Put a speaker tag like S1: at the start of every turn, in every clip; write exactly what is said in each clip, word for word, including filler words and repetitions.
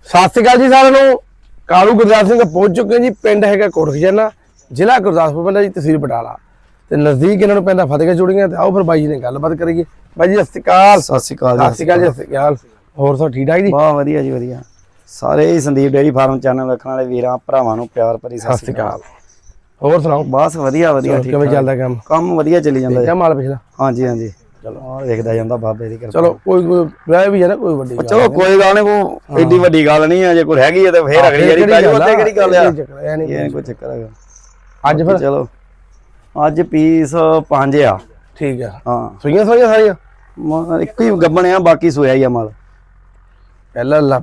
S1: ਸਤਿ ਸ਼੍ਰੀ ਅਕਾਲ ਜੀ ਸਾਰਿਆਂ ਨੂੰ। ਕਾਲੂ ਗੁਰਦਾਸ ਸਿੰਘ ਪਹੁੰਚ ਚੁੱਕੇ ਜੀ। ਪਿੰਡ ਹੈਗਾ ਕੋਟ ਖਜ਼ਾਨਾ, ਜ਼ਿਲ੍ਹਾ ਗੁਰਦਾਸਪੁਰ ਪੈਂਦਾ ਜੀ, ਤਹਿਸੀਲ ਬਟਾਲਾ ਤੇ ਨਜ਼ਦੀਕ ਇਹਨਾਂ ਨੂੰ ਪੈਂਦਾ ਫਤਿਹਗੜ੍ਹ ਚੂੜੀਆਂ। ਤੇ ਆਓ ਫਿਰ ਬਾਈ ਜੀ ਨੇ ਗੱਲਬਾਤ ਕਰੀਏ। ਬਾਈ ਜੀ ਸਤਿ ਸ਼੍ਰੀ ਅਕਾਲ।
S2: ਸਤਿ ਸ਼੍ਰੀ ਅਕਾਲ
S1: ਸਤਿ ਸ਼੍ਰੀ ਅਕਾਲ ਜੀ। ਸਤਿ ਸ਼੍ਰੀ ਅਕਾਲ। ਹੋਰ ਸਭ ਠੀਕ ਠਾਕ ਜੀ?
S2: ਬਹੁਤ ਵਧੀਆ ਜੀ, ਵਧੀਆ। ਸਾਰੇ ਹੀ ਸੰਦੀਪ ਡੇਅਰੀ ਫਾਰਮ ਚੈਨਲ ਵੇਖਣ ਵਾਲੇ ਵੀਰਾਂ ਭਰਾਵਾਂ ਨੂੰ ਪਿਆਰ ਭਰੀ
S1: ਸਤਿ ਸ਼੍ਰੀ ਅਕਾਲ। ਹੋਰ ਸੁਣਾਓ?
S2: ਬਸ ਵਧੀਆ ਵਧੀਆ।
S1: ਕਿਵੇਂ ਚੱਲਦਾ ਕੰਮ?
S2: ਕੰਮ ਵਧੀਆ ਚੱਲੀ ਜਾਂਦਾ
S1: ਜੀ। ਮਾਲ ਪਿਛਲਾ?
S2: ਹਾਂਜੀ ਹਾਂਜੀ, ਚਲੋ ਆ ਵੇਖਦਾ ਜਾਂਦਾ ਬਾਬੇ ਦੀ ਕਿਰਪਾ।
S1: ਚਲੋ ਕੋਈ ਕੋਈ ਵਿਆਹ ਵੀ ਹੈ ਨਾ, ਕੋਈ ਵੱਡੀ ਗੱਲ
S2: ਚਲੋ ਕੋਈ ਗੱਲ ਨਹੀਂ, ਕੋਈ ਏਡੀ ਵੱਡੀ ਗੱਲ ਨਹੀਂ ਆ। ਜੇ ਕੋਈ ਹੈਗੀ ਹੈ ਤੇ ਫੇਰ ਅਗਲੀ ਵਾਰੀ ਪੈ ਜਾਓ। ਉੱਤੇ ਕਿਹੜੀ ਗੱਲ ਆ, ਇਹ ਕੋਈ ਚੱਕਰ ਹੈਗਾ।
S1: ਅੱਜ ਫਿਰ
S2: ਚਲੋ ਅੱਜ ਪੀਸ ਪੰਜ ਆ।
S1: ਠੀਕ ਆ।
S2: ਹਾਂ,
S1: ਸੂਈਆਂ ਸੂਈਆਂ ਸਾਰੀਆਂ
S2: ਮ- ਇੱਕ ਹੀ ਗੱਬਣ ਆ, ਬਾਕੀ ਸੋਇਆ ਹੀ ਆ ਮਾਲ।
S1: ਪਹਿਲਾਂ ਲਾ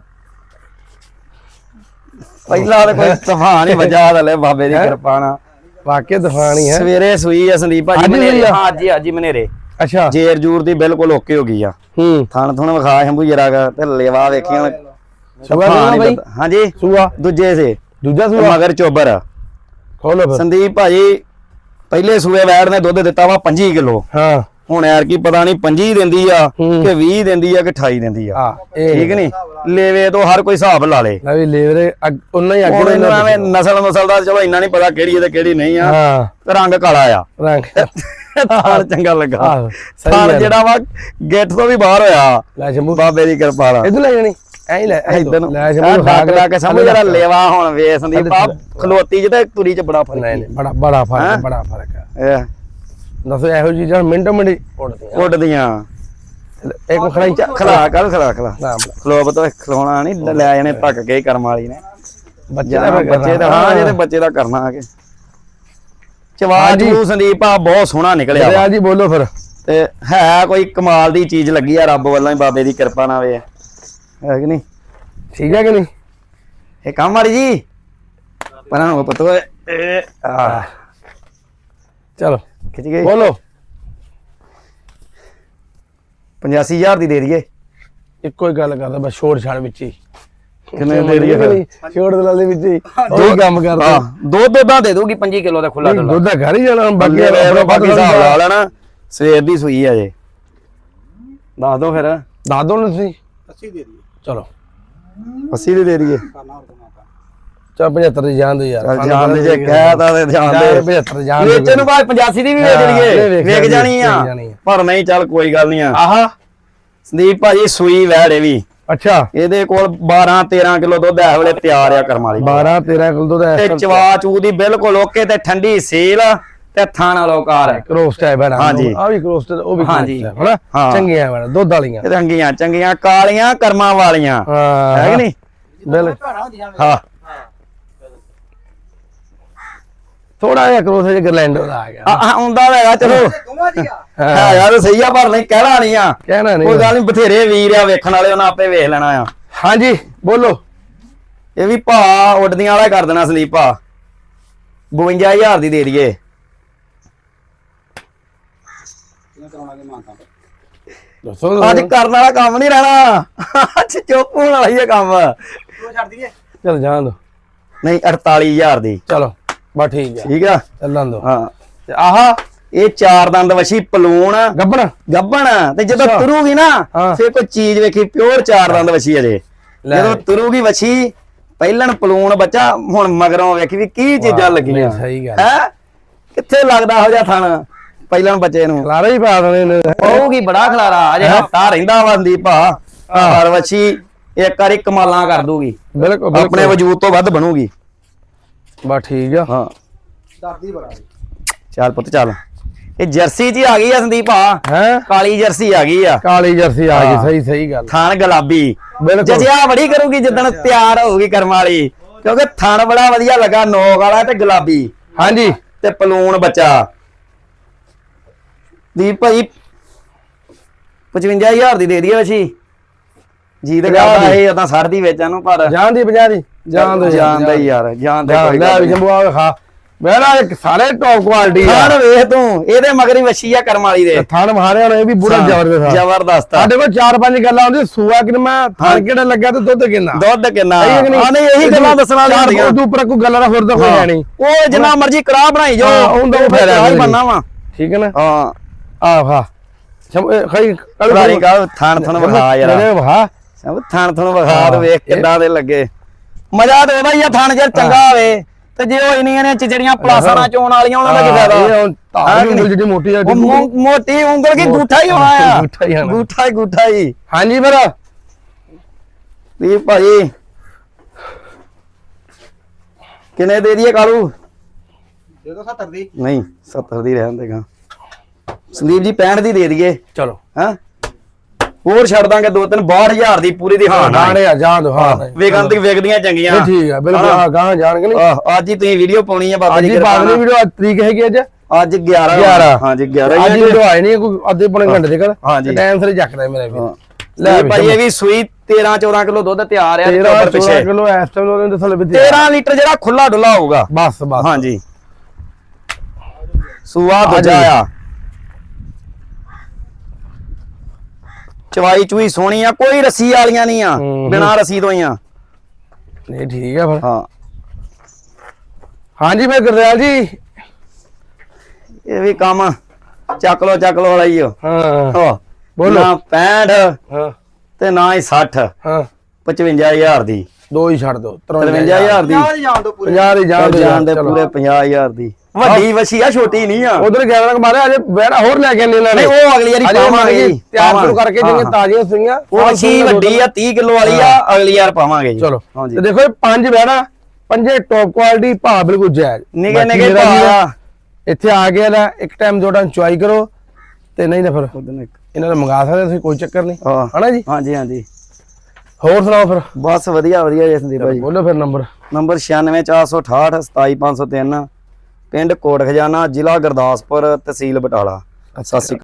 S2: ਪਹਿਲਾਂ ਤਾਂ ਕੋਈ ਤੂਫਾਨ ਹੀ ਵਜਾ ਦਲੇ ਬਾਬੇ ਦੀ ਕਿਰਪਾ ਨਾਲ।
S1: ਵਾਕਿਆ ਦਫਾਣੀ ਹੈ।
S2: ਸਵੇਰੇ ਸੂਈ ਆ ਸੰਦੀਪ ਭਾਜੀ ਮਨੇਰੇ। ਹਾਂ ਜੀ, ਅੱਜ ਹੀ ਮਨੇਰੇ।
S1: ਅੱਛਾ,
S2: ਜੇਰ ਜੂਰ ਦੀ ਬਿਲਕੁਲ ਓਕੇ ਹੋ ਗਈ ਆ।
S1: ਹੂੰ।
S2: ਥਣ ਥਣ ਵਿਖਾ ਸ਼ੰਭੂ ਜਰਾ ਗਾ ਤੇ ਲੇਵਾ ਵੇਖੀ ਹੁਣ।
S1: ਸੂਆ ਕਿਹੜਾ ਬਾਈ?
S2: ਹਾਂਜੀ,
S1: ਸੂਆ
S2: ਦੂਜੇ ਸੇ
S1: ਦੂਜਾ
S2: ਤੇ
S1: ਸੂਆ
S2: ਮਗਰ ਚੋਬਰ।
S1: ਖੋਲੋ ਫਿਰ।
S2: ਸੰਦੀਪ ਭਾਜੀ ਪਹਿਲੇ ਸੂਏ ਵੈੜ ਨੇ ਦੁੱਧ ਦਿੱਤਾ ਵਾ ਪੰਜੀ ਕਿਲੋ।
S1: ਹਾਂ
S2: ਹੁਣ ਯਾਰ ਕੀ ਪਤਾ ਨਹੀਂ ਪੰਜੀ ਦਿੰਦੀ ਆ
S1: ਹੂੰ।
S2: ਕਿ ਵੀਹ ਦਿੰਦੀ ਆ ਕਿ ਅਠਾਈ ਦਿੰਦੀ ਆ।
S1: ਹਾਂ ਇਹ
S2: ਠੀਕ ਨਹੀਂ, ਲੇਵੇ ਤੋਂ ਹਰ ਕੋਈ ਹਿਸਾਬ ਲਾ ਲੇ।
S1: ਲੈ ਵੀ ਲੇਵਰੇ ਉਹਨਾਂ ਹੀ
S2: ਹੁਣ
S1: ਅੱਗੇ
S2: ਇਹਨੂੰ ਐਵੇਂ ਨਸਲ ਨਸਲ ਦਾ ਚਲੋ ਇੰਨਾ ਨਹੀਂ ਪਤਾ ਕਿਹੜੀ ਹੈ ਤੇ ਕਿਹੜੀ ਨਹੀਂ ਆ।
S1: ਹਾਂ
S2: ਤੇ ਰੰਗ ਕਾਲਾ ਆ,
S1: ਰੰਗ
S2: ਥਾਣ ਚੰਗਾ ਲੱਗਾ।
S1: ਆਹੋ, ਸਹੀ
S2: ਥਾਣ
S1: ਗੱਲ।
S2: ਜਿਹੜਾ ਵਾ ਗੇਟ ਤੋਂ ਵੀ ਬਾਹਰ ਹੋਇਆ
S1: ਲੈ ਸ਼ੰਭੂ
S2: ਬਾਬੇ ਦੀ ਕਿਰਪਾ ਨਾਲ।
S1: ਇਧਰ ਲੈ ਜਾਣੀ ਐਂ ਹੀ ਲੈ
S2: ਇਧਰ ਨੂੰ
S1: ਲੈ
S2: ਸ਼ੰਭੂ
S1: ਸ਼ੰਭੂ
S2: ਡੱਕ ਡੱਕ ਸਮਝ ਜਰਾ ਲੇਵਾ ਹੁਣ ਵੇ ਸੰਦੀਪ ਆ ਖਲੋਤੀ ਚ ਤੇ ਤੁਰੀ ਚ ਬੜਾ ਫਰਕ
S1: ਨਹੀਂ ਨਹੀਂ ਬੜਾ ਬੜਾ ਫਰਕ ਬੜਾ ਫਰਕ ਹੈ।
S2: ਹੈ।
S1: ਦੱਸੋ ਇਹੋ ਜੀ ਜਣ ਮਿੰਟੋ ਮਿੰਟ ਉੱਡਦੀਆਂ
S2: ਉੱਡਦੀਆਂ
S1: ਇੱਕ ਖੜਾਈ ਚ
S2: ਖਲਾ ਕਰ ਖਲਾ ਖਲਾ
S1: ਨਾਮ
S2: ਖਲੋਬ ਤੋਂ ਖਲੋਣਾ ਨਹੀਂ ਲੈ ਜਾਣੇ ਧੱਕ ਕੇ ਕਰਮ ਵਾਲੀ ਨੇ।
S1: ਬੱਚੇ
S2: ਬੱਚੇ
S1: ਦਾ
S2: ਬੱਚੇ ਦਾ ਹਾਂ ਜਿਹਦੇ ਬੱਚੇ ਦਾ ਕਰਨਾ ਆ ਕੇ ਚਵਾਜ ਨੂੰ ਸੰਦੀਪ ਆ ਬਹੁਤ ਸੋਹਣਾ ਨਿਕਲਿਆ ਵਾ।
S1: ਜੀ ਬੋਲੋ ਫਿਰ।
S2: ਤੇ ਹੈ ਕੋਈ ਕਮਾਲ ਦੀ ਚੀਜ਼ ਲੱਗੀ ਆ ਰੱਬ ਵੱਲੋਂ ਹੀ ਬਾਬੇ ਦੀ ਕਿਰਪਾ ਨਾਲ ਵੇ। ਹੈ ਕਿ ਨਹੀਂ?
S1: ਠੀਕ ਹੈ ਕਿ ਨਹੀਂ?
S2: ਇਹ ਕੰਮ ਵਾਲੀ ਜੀ ਪਰਾਂ ਨੂੰ ਪਤੋ ਇਹ ਆ
S1: ਚਲੋ
S2: ਖਿੱਚ ਗਈ।
S1: ਬੋਲੋ।
S2: ਪਚਾਸੀ ਹਜ਼ਾਰ ਦੀ ਦੇ ਦਈਏ।
S1: ਇੱਕੋ ਹੀ ਗੱਲ ਕਰਦਾ ਬਸ, ਛੋੜ ਛਾੜ ਵਿੱਚ ਹੀ।
S2: ਕਿੰਨੇ ਦੇ ਦਈਏ ਫਿਰ?
S1: ਛੋੜ ਦਲਾਲੀ ਵਿੱਚ ਹੀ ਦੋ ਕੰਮ ਕਰਦਾ।
S2: ਹਾਂ, ਦੋ ਦੁੱਧਾਂ ਦੇ ਦੂਗੀ ਪੰਜੀ ਕਿਲੋ ਦਾ ਖੁੱਲਾ ਦੁੱਧ।
S1: ਦੁੱਧ ਦਾ ਘਰ ਹੀ ਜਾਣਾ ਬਾਕੀ
S2: ਬਾਕੀ ਬਾਕੀ ਹਿਸਾਬ ਲਾ ਲੈਣਾ। ਸਵੇਰ ਦੀ ਸੂਈ ਆ ਜੇ। ਦੱਸ ਦੋ ਫਿਰ।
S1: ਦੱਸ ਦੋ ਨਾ ਤੁਸੀਂ। ਅੱਸੀ ਦੇ ਦਈਏ। ਚਲੋ
S2: ਅੱਸੀ ਦੀ ਦੇ ਦਈਏ।
S1: ਚਾ ਪਝੱਤਰ ਦੀ ਜਾਣ ਦੇ ਯਾਰ।
S2: ਜਾਣ ਦੇ ਜੇ ਕਹਿਤਾ ਤੇ ਜਾਣ ਦੇ।
S1: ਪਝੱਤਰ ਜਾਣ ਦੇ।
S2: ਵੇਚੇ ਨੂੰ ਬਾਅਦ ਪਚਾਸੀ ਦੀ ਵੀ ਵੇਚ ਲਈਏ। ਵੇਚ ਜਾਣੀ ਆ ਪਰ ਨਹੀਂ, ਚੱਲ ਕੋਈ ਗੱਲ ਨਹੀਂ ਆ।
S1: ਆਹਾ
S2: ਸੰਦੀਪ ਭਾਜੀ ਸੂਈ ਵੈੜ ਇਹ ਵੀ।
S1: ਅੱਛਾ,
S2: ਇਹਦੇ ਕੋਲ ਬਾਰਾਂ ਤੇਰਾਂ ਕਿਲੋ ਦੁੱਧ ਇਸ ਵੇਲੇ ਤਿਆਰ ਆ ਕਰਮ ਵਾਲੀ।
S1: ਬਾਰਾਂ ਤੇਰਾਂ ਕਿਲੋ ਦੁੱਧ ਹੈ
S2: ਤੇ ਚਵਾ ਚੂ ਦੀ ਬਿਲਕੁਲ ਓਕੇ ਤੇ ਠੰਡੀ ਸੀਲ ਤੇ ਥਾਣਾ ਲੋਕਾਰ ਹੈ।
S1: ਕਰੋਸਟ ਹੈ ਬੜਾ।
S2: ਹਾਂਜੀ।
S1: ਆ ਵੀ ਕਰੋਸਟ ਉਹ ਵੀ
S2: ਹਾਂਜੀ।
S1: ਹਨਾ
S2: ਹਾਂ।
S1: ਚੰਗੀਆਂ ਬੜਾ ਦੁੱਧ ਵਾਲੀਆਂ।
S2: ਇਹ ਰੰਗੀਆਂ ਚੰਗੀਆਂ ਕਾਲੀਆਂ ਕਰਮਾਂ ਵਾਲੀਆਂ।
S1: ਹਾਂ
S2: ਹੈ ਕਿ ਨਹੀਂ?
S1: ਬਿਲਕੁਲ।
S2: ਹਾਂ,
S1: ਥੋੜਾ ਜਿਹਾ ਕਰੋਸ ਜਿਹਾ ਗਰਲੈਂਡੋ ਦਾ ਆ ਗਿਆ।
S2: ਆ ਆਉਂਦਾ ਹੈਗਾ ਚਲੋ। ਹਾਂ ਯਾਰ ਸਹੀ ਆ ਪਰ ਨਹੀਂ ਕਹਿਣਾ ਨਹੀਂ ਆ।
S1: ਕਹਿਣਾ ਨਹੀਂ
S2: ਕੋਈ ਗੱਲ ਨਹੀਂ, ਬਥੇਰੇ ਵੀਰ ਆ ਵੇਖਣ ਵਾਲੇ, ਉਹਨਾਂ ਆਪੇ ਵੇਖ ਲੈਣਾ ਆ।
S1: ਹਾਂਜੀ ਬੋਲੋ।
S2: ਇਹ ਵੀ ਭਾ ਉੱਡਦੀਆਂ ਵਾਲਾ ਕਰ ਦੇਣਾ ਸੰਦੀਪ ਭਾ। ਬਵੰਜਾ ਹਜ਼ਾਰ ਦੀ ਦੇ ਦਈਏ।
S1: ਦੱਸੋ
S2: ਅੱਜ ਕਰਨ ਵਾਲਾ ਕੰਮ ਨਹੀਂ ਰਹਿਣਾ। ਅੱਜ ਚੁੱਪ ਹੋਣ ਵਾਲਾ ਹੀ ਹੈ ਕੰਮ।
S1: ਚਲ ਜਾਣ ਦੋ।
S2: ਨਹੀਂ ਅੜਤਾਲੀ ਹਜ਼ਾਰ ਦੀ।
S1: ਚਲੋ ਬਸ ਠੀਕ ਹੈ,
S2: ਠੀਕ ਆ।
S1: ਚੱਲਣ ਦੋ।
S2: ਹਾਂ,
S1: ਤੇ ਆਹਾ
S2: ਇਹ ਚਾਰ ਦੰਦ ਵਛੀ ਪਲੂਣ
S1: ਗੱਬਣ
S2: ਗੱਬਣ ਤੇ ਜਦੋਂ
S1: ਅੱਛਾ।
S2: ਤੁਰੂਗੀ ਨਾ
S1: ਹਾਂ।
S2: ਫੇਰ ਕੋਈ ਚੀਜ਼ ਵੇਖੀ ਪਿਓਰ ਚਾਰ ਦੰਦ ਵਛੀ ਅਜੇ।
S1: ਲੈ।
S2: ਜਦੋਂ ਤੁਰੂਗੀ ਵਛੀ ਪਹਿਲਣ ਪਲੂਣ ਬੱਚਾ, ਹੁਣ ਮਗਰੋਂ ਵੇਖੀ ਵੀ ਕੀ ਚੀਜ਼ਾਂ ਲੱਗੀਆਂ।
S1: ਸਹੀ ਗੱਲ
S2: ਹੈ ਕਿੱਥੇ ਲੱਗਦਾ ਹੋ ਜਾ ਥਣ ਪਹਿਲਣ ਬੱਚੇ ਨੂੰ।
S1: ਖਲਾਰਾ ਹੀ ਪਾ ਦੇਣੇ ਨੇ।
S2: ਪਊਗੀ ਬੜਾ ਖਲਾਰਾ। ਅਜੇ ਹਫਤਾ ਰਹਿੰਦਾ ਵਾ ਸੰਦੀਪ ਭਾ। ਪਰ ਵਛੀ ਇੱਕ ਵਾਰੀ ਕਮਾਲਾਂ ਕਰ ਦੂਗੀ।
S1: ਬਿਲਕੁਲ
S2: ਆਪਣੇ ਵਜੂਦ ਤੋਂ ਵੱਧ ਬਣੂਗੀ।
S1: ਬਸ ਠੀਕ ਆ।
S2: ਹਾਂ ਡਰਦੀ ਬੜਾ। ਚੱਲ ਪੁੱਤ ਚੱਲ। ਇਹ ਜਰਸੀ ਜੀ ਆ ਗਈ ਆ ਸੰਦੀਪ ਭਾ।
S1: ਹੈ
S2: ਕਾਲੀ ਜਰਸੀ ਆ ਗਈ ਆ।
S1: ਕਾਲੀ ਜਰਸੀ ਆ ਗਈ।
S2: ਹਾਂ।
S1: ਸਹੀ ਸਹੀ ਗੱਲ।
S2: ਥਣ ਗੁਲਾਬੀ
S1: ਬਿਲਕੁਲ।
S2: ਜਜਿਆ ਬੜੀ ਕਰੂਗੀ ਜਿੱਦਣ ਤਿਆਰ ਹੋਊਗੀ ਕਰਮ ਵਾਲੀ, ਕਿਉਂਕਿ ਥਣ ਬੜਾ ਵਧੀਆ ਲੱਗਾ, ਨੋਕ ਵਾਲਾ ਤੇ ਗੁਲਾਬੀ।
S1: ਹਾਂਜੀ
S2: ਤੇ ਪਲੂਣ ਬੱਚਾ। ਦੀਪ ਭਾਈ ਪਚਵੰਜਾ ਹਜ਼ਾਰ ਦੀ ਦੇ ਦਈਏ ਵਛੀ ਜੀ। ਤੇ ਕਰਦਾ ਇਹ ਉਦਾਂ ਸੱਠ ਦੀ ਵੇਚਾਂ ਨੂੰ ਪਰ
S1: ਜਾਣ ਦੀ ਪੰਜਾਹ ਦੀ ਜਾਣ ਦੋ।
S2: ਜਾਣਦਾ ਹੀ ਯਾਰ, ਜਾਣਦਾ ਕੋਈ
S1: ਲੈ ਵੀ ਜੰਬੂ ਆ ਖਾ। ਮੇਰਾ ਇੱਕ ਸਾਰੇ ਟੌਪ ਕੁਆਲਿਟੀ ਆ।
S2: ਥਣ ਵੇਖ ਤੂੰ, ਇਹਦੇ ਮਗਰ ਹੀ ਵਛੀ ਆ ਕਰਮ ਵਾਲੀ ਦੇ।
S1: ਥਣ ਮਾਰਿਆ ਇਹ ਵੀ ਬੁਰਾ ਜ਼ਬਰਦਸਤ।
S2: ਜ਼ਬਰਦਸਤ ਆ।
S1: ਸਾਡੇ ਕੋਲ ਚਾਰ ਪੰਜ ਗੱਲਾਂ ਹੁੰਦੀਆਂ। ਸੂਆ ਕਿੰਨਾ, ਥਣ ਕਿਹੜਾ ਲੱਗਾ ਤੇ ਦੁੱਧ ਕਿੰਨਾ।
S2: ਦੁੱਧ ਕਿੰਨਾ।
S1: ਸਹੀ ਹੈ ਕਿ ਨਹੀਂ?
S2: ਹਾਂ ਨਹੀਂ ਇਹੀ ਗੱਲਾਂ ਦੱਸਣ ਵਾਲੀਆਂ ਹੁੰਦੀਆਂ।
S1: ਉਹਦੇ ਉੱਪਰ ਕੋਈ ਗੱਲਾਂ ਦਾ ਹੋਰ ਤਾਂ ਹੋਇਆ ਨਹੀਂ।
S2: ਉਹ ਜਿੰਨਾ ਮਰਜ਼ੀ ਕੜਾਹ ਬਣਾਈ ਜੋ
S1: ਹਾਂ, ਉਹਦਾ
S2: ਉਹ ਫਿਰ
S1: ਫਾਇਦਾ
S2: ਹੀ ਬਣਨਾ ਵਾ।
S1: ਠੀਕ ਹੈ ਨਾ?
S2: ਹਾਂ
S1: ਆ ਵਾ ਖਈ
S2: ਕੜਾਰੀ ਕਾ ਥਣ ਥਣ ਵਿਖਾ ਯਾਰ।
S1: ਵਹਾ
S2: ਉਹ ਥਣ ਥਣ ਵਿਖਾ ਦੇ ਵੇਖ ਕਿੱਦਾਂ ਦੇ ਲੱਗੇ ਮਜ਼ਾ ਤੇ ਉਹਦਾ ਹੀ ਆ ਥਣ ਜੇ ਚੰਗਾ ਹੋਵੇ ਤੇ ਜੇ ਉਹ ਇੰਨੀਆਂ ਨੇ ਚਿਚੜੀਆਂ ਪਲਾਸਾਂ ਚੋਣ ਵਾਲੀਆਂ ਉਹਨਾਂ ਦਾ ਕੀ ਫਾਇਦਾ
S1: ਇਹ ਹੁਣ ਧਾਰ ਉਂਗਲ ਜਿਹੜੀ ਮੋਟੀ ਆ
S2: ਉਹ ਮੋ- ਮੋਟੀ ਉਂਗਲ ਕੀ ਗੂਠਾ ਹੀ ਹੋਣਾ ਆ
S1: ਗੂਠਾ ਹੀ ਹੋਣਾ।
S2: ਗੂਠਾ ਹੀ ਗੂਠਾ ਹੀ
S1: ਹਾਂਜੀ ਫਿਰ
S2: ਵੀ ਭਾਈ ਕਿੰਨੇ ਦੇ ਦਈਏ ਕਾਲੂ
S3: ਦੇ ਦੋ ਸੱਤਰ ਦੀ
S2: ਨਹੀਂ ਸੱਤਰ ਦੀ ਰਹਿਣ ਦੇਗਾ ਸੰਦੀਪ ਜੀ ਪੈਂਹਠ ਦੀ ਦੇ ਦਈਏ
S1: ਚਲੋ
S2: ਹਾਂ ਹੋਰ ਛੱਡ ਦਾਂਗੇ ਦੋ ਤਿੰਨ ਬਾਹਠ ਹਜ਼ਾਰ ਦੀ ਪੂਰੀ ਦੀ ਹਾਂ
S1: ਗਾਣੇ ਆ ਜਾਣ ਦੋ ਹਾਂ
S2: ਵੇਗਾਂ ਤੇ ਵੇਗਦੀਆਂ ਚੰਗੀਆਂ
S1: ਇਹ ਠੀਕ ਆ ਬਿਲਕੁਲ ਹਾਂ ਗਾਂ ਜਾਣਗੇ ਨਹੀਂ
S2: ਆਹ, ਅੱਜ ਹੀ ਤੁਸੀਂ ਵੀਡੀਓ ਪਾਉਣੀ ਆ ਬਾਬਾ
S1: ਅੱਜ
S2: ਜੀ
S1: ਹੀ
S2: ਕਿਰਪਾ
S1: ਬਾਅਦ
S2: ਨਾਲ।
S1: ਵੀਡੀਓ ਤਰੀਕ ਹੈਗੀ ਅੱਜ
S2: ਅੱਜ ਗਿਆਰਾਂ
S1: ਗਿਆਰਾਂ
S2: ਹਾਂਜੀ ਗਿਆਰਾਂ
S1: ਅੱਜ ਵੀਡੀਓ ਆਏ ਨਹੀਂ ਕੋਈ ਅੱਧੇ ਪੌਣੇ ਘੰਟੇ ਦੇ ਕਰ
S2: ਹਾਂਜੀ।
S1: ਟਾਈਮ ਸਿਰ ਚੱਕਦਾ ਮੇਰਾ ਵੀ
S2: ਲੈ ਭਾਈ ਇਹ ਵੀ ਸੂਈ ਤੇਰਾਂ ਚੌਦਾਂ ਕਿਲੋ ਦੁੱਧ ਤਿਆਰ ਆ
S1: ਤੇਰਾਂ
S2: ਟੋਬਰ ਪਿੱਛੇ
S1: ਕਿਲੋ ਇਸ ਟਾਈਮ ਉਹਦੇ ਦੱਸੋ ਲੈ
S2: ਤੇਰਾਂ ਲੀਟਰ ਜਿਹੜਾ ਖੁੱਲਾ ਡੁੱਲਾ ਹੋਊਗਾ
S1: ਬਸ ਬਸ
S2: ਹਾਂਜੀ ਸੂਆ ਦੂਜਾ ਆ ਚਵਾਈ ਚੂਈ ਸੋਹਣੀ ਆ ਕੋਈ ਰੱਸੀ ਵਾਲੀਆਂ ਨਹੀਂ ਆ
S1: ਹੂੰ,
S2: ਬਿਨਾ ਰੱਸੀ ਤੋਂ ਹੀ ਆ
S1: ਨਹੀਂ ਠੀਕ ਆ ਫਿਰ
S2: ਹਾਂ
S1: ਹਾਂਜੀ ਮੈਂ ਗੁਰਦਿਆਲ ਜੀ
S2: ਇਹ ਵੀ ਕੰਮ ਚੱਕ ਲੋ ਚੱਕ ਲੋ ਵਾਲਾ ਹੀ ਆ
S1: ਹਾਂ
S2: ਹਾਂ
S1: ਬੋਲੋ।
S2: ਨਾ ਪੈਂਹਠ
S1: ਹਾਂ
S2: ਤੇ ਨਾ ਹੀ ਸੱਠ
S1: ਹਾਂ
S2: ਪਚਵੰਜਾ ਹਜ਼ਾਰ ਦੀ
S1: ਦੋ ਹੀ ਛੱਡ ਦੋ
S2: ਤਰਵੰਜਾ ਹਜ਼ਾਰ ਦੀ
S3: ਪੰਜਾਹ ਦੀ ਜਾਣ ਦੋ ਪੂਰੇ
S1: ਪੰਜਾਹ ਦੀ ਜਾਣ ਦੋ
S2: ਜਾਣ ਦੇ
S1: ਚਲੋ।
S2: ਪੂਰੇ ਪੰਜਾਹ ਹਜ਼ਾਰ ਦੀ ਵੱਡੀ ਵਛੀ ਆ ਛੋਟੀ ਨਹੀਂ ਆ
S1: ਉਧਰ ਗਿਆਰਾਂ ਕ ਮਾਰਿਆ ਅਜੇ ਬੈੜਾ ਹੋਰ ਲੈ ਕੇ ਆਨੇ ਇਹਨਾਂ ਨੇ
S2: ਨਹੀਂ ਉਹ ਅਗਲੀ ਵਾਰੀ
S1: ਅਜੇ
S2: ਪਾਵਾਂਗੇ ਜੀ,
S1: ਤਿਆਰ ਸ਼ੁਰੂ
S2: ਪਾਵਾਂਗੇ।
S1: ਕਰਕੇ ਜਿਹੜੀਆਂ
S2: ਹਾਂ,
S1: ਤਾਜ਼ੀਆਂ ਸੀਗੀਆਂ
S2: ਉਹ ਵਛੀ ਵੱਡੀ ਆ ਤੀਹ ਕਿਲੋ ਵਾਲੀ ਆ ਅਗਲੀ ਵਾਰ ਪਾਵਾਂਗੇ ਜੀ
S1: ਚਲੋ
S2: ਹਾਂਜੀ
S1: ਤੇ ਦੇਖੋ ਇਹ ਪੰਜ ਬੈੜਾ ਪੰਜੇ ਟੌਪ ਕੁਆਲਿਟੀ ਭਾਅ ਬਿਲਕੁਲ ਜਾਇਜ਼
S2: ਨਿਗੇ
S1: ਬਾਕੀ
S2: ਨਿਗੇ
S1: ਮੇਰਾ ਵੀਰ
S2: ਭਾਅ
S1: ਇੱਥੇ ਆ ਗਿਆ ਨਾ ਇੱਕ ਟਾਈਮ ਦੋ ਟਾਈਮ ਚੁਆਈ ਕਰੋ ਤੇ ਨਹੀਂ ਨਾ ਫਿਰ ਇਹਨਾਂ ਨੂੰ ਮੰਗਾ ਸਕਦੇ ਤੁਸੀਂ ਕੋਈ ਚੱਕਰ ਨਹੀਂ
S2: ਹਾਂ
S1: ਹਨਾ ਜੀ
S2: ਹਾਂਜੀ ਹਾਂਜੀ
S1: ਹੋਰ ਸੁਣਾਓ ਫਿਰ
S2: ਬਸ ਵਧੀਆ ਵਧੀਆ ਜੀ ਸੰਦੀਪ ਭਾਈ
S1: ਬੋਲੋ ਫਿਰ ਨੰਬਰ
S2: ਨੰਬਰ ਛਿਆਨਵੇਂ ਚਾਰ ਸੌ ਅਠਾਹਠ ਸਤਾਈ ਪੰਜ ਸੌ ਤਿੰਨ ਪਿੰਡ ਕੋਟ ਖਜ਼ਾਨਾ ਜ਼ਿਲ੍ਹਾ ਗੁਰਦਾਸਪੁਰ ਤਹਿਸੀਲ ਬਟਾਲਾ ਸਤਿ ਸ਼੍ਰੀ ਅਕਾਲ।